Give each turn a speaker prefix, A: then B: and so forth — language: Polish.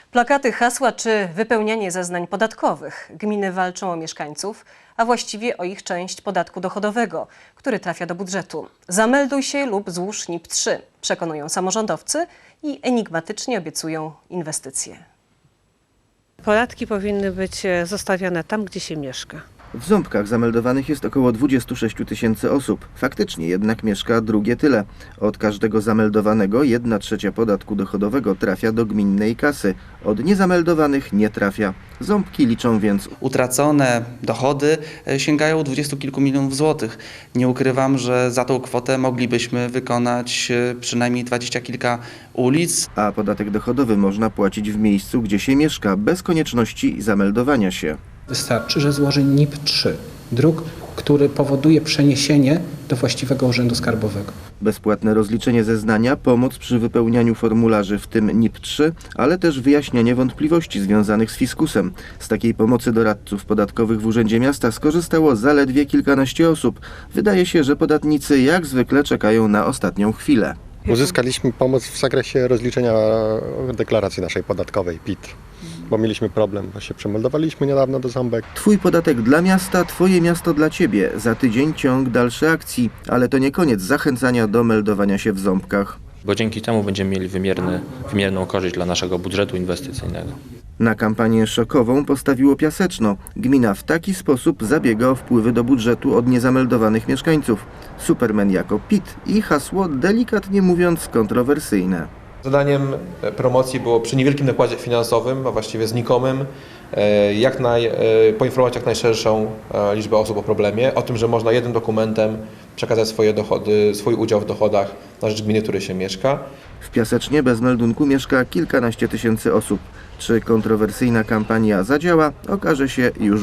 A: Plakaty, hasła czy wypełnianie zeznań podatkowych. Gminy walczą o mieszkańców, a właściwie o ich część podatku dochodowego, który trafia do budżetu. Zamelduj się lub złóż NIP-3, przekonują samorządowcy i enigmatycznie obiecują inwestycje.
B: Podatki powinny być zostawione tam, gdzie się mieszka.
C: W Ząbkach zameldowanych jest około 26 000 osób. Faktycznie jednak mieszka drugie tyle. Od każdego zameldowanego 1/3 podatku dochodowego trafia do gminnej kasy. Od niezameldowanych nie trafia. Ząbki liczą więc
D: utracone dochody sięgają 20 kilku milionów złotych. Nie ukrywam, że za tą kwotę moglibyśmy wykonać przynajmniej 20 kilka ulic.
C: a podatek dochodowy można płacić w miejscu, gdzie się mieszka, bez konieczności zameldowania się.
E: Wystarczy, że złoży NIP-3, druk, który powoduje przeniesienie do właściwego urzędu skarbowego.
C: Bezpłatne rozliczenie zeznania, pomoc przy wypełnianiu formularzy, w tym NIP-3, ale też wyjaśnianie wątpliwości związanych z fiskusem. Z takiej pomocy doradców podatkowych w Urzędzie Miasta skorzystało zaledwie kilkanaście osób. Wydaje się, że podatnicy jak zwykle czekają na ostatnią chwilę.
F: Uzyskaliśmy pomoc w zakresie rozliczenia deklaracji naszej podatkowej PIT, bo mieliśmy problem, bo się przemeldowaliśmy niedawno do Ząbek.
C: Twój podatek dla miasta, twoje miasto dla ciebie. Za tydzień ciąg dalszy akcji, ale to nie koniec zachęcania do meldowania się w Ząbkach.
G: Bo dzięki temu będziemy mieli wymierną korzyść dla naszego budżetu inwestycyjnego.
C: Na kampanię szokową postawiło Piaseczno. Gmina w taki sposób zabiega o wpływy do budżetu od niezameldowanych mieszkańców. Superman jako PIT i hasło, delikatnie mówiąc, kontrowersyjne.
H: Zadaniem promocji było przy niewielkim nakładzie finansowym, a właściwie znikomym, poinformować jak najszerszą liczbę osób o problemie, o tym, że można jednym dokumentem przekazać swoje dochody, swój udział w dochodach na rzecz gminy, w której się mieszka.
C: W Piasecznie bez meldunku mieszka kilkanaście tysięcy osób. Czy kontrowersyjna kampania zadziała, okaże się już